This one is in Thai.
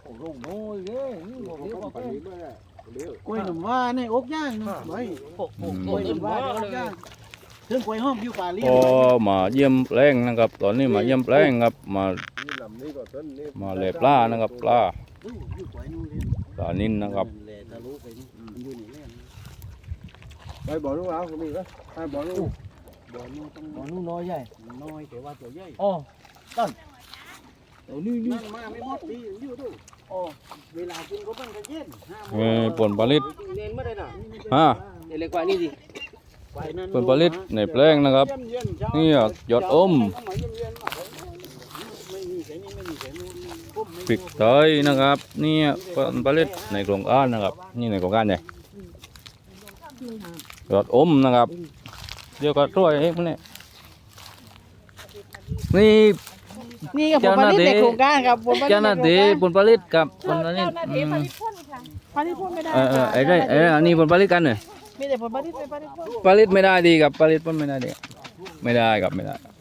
โอ้โหน้อยเลยนี่บอกเลี้ยวบอกเลยกล้วยหนุ่มว่าในอกย่างนะไว้กล้วยหนุ่มว่าในอกย่างถึงกล้วยหอมอยู่ป่าเลี้ยพอมาเยี่ยมแปลงนะครับ ตอนนี้มาเยี่ยมแปลงครับมาเลยปลานะครับปลาอยู่กล้วยนู่นเลยปลานินนะครับแหละทะลุไปนี่อยู่นี่แหละไปบอกลูกเอาคนนี้ก็ไปบอกลูกบ่อนู่นต้องบอกลูกน้อยใหญ่น้อยแต่ว่าตัวใหญ่อ๋อต้นเดี๋ยวนี่นี่นั่งมาไม่หมดดีอยู่ดูอ๋อเวลากินก็มันก็เย็นผลผลิตเน้นไม่ได้น่ะฮะเล็กกว่านี่ดิผลผลิตในแปลงนะครับนี่ยอดอมพริกไทยนะครับนี่ผลผลิตในโครงการนะครับนี่ในโครงการใหญ่ยอดอมนะครับเดี๋ยวก็ช่วยเองพวกนี้นี่นี่กับผลผลิตในโครงการครับผลผลิตเจ้าหน้าที่ผลผลิตกับผลผลิตเจ้าหน้าที่ผลิตพ่นค่ะผลิตพ่นไม่ได้ไอ้ได้อันนี้ผลผลิตกันเนี่ยมีแต่ผลผลิตไม่ผลิตพ่นผลิตไม่ได้ดีกับผลิตผลไม่ได้ดีไม่ได้ครับไม่ได้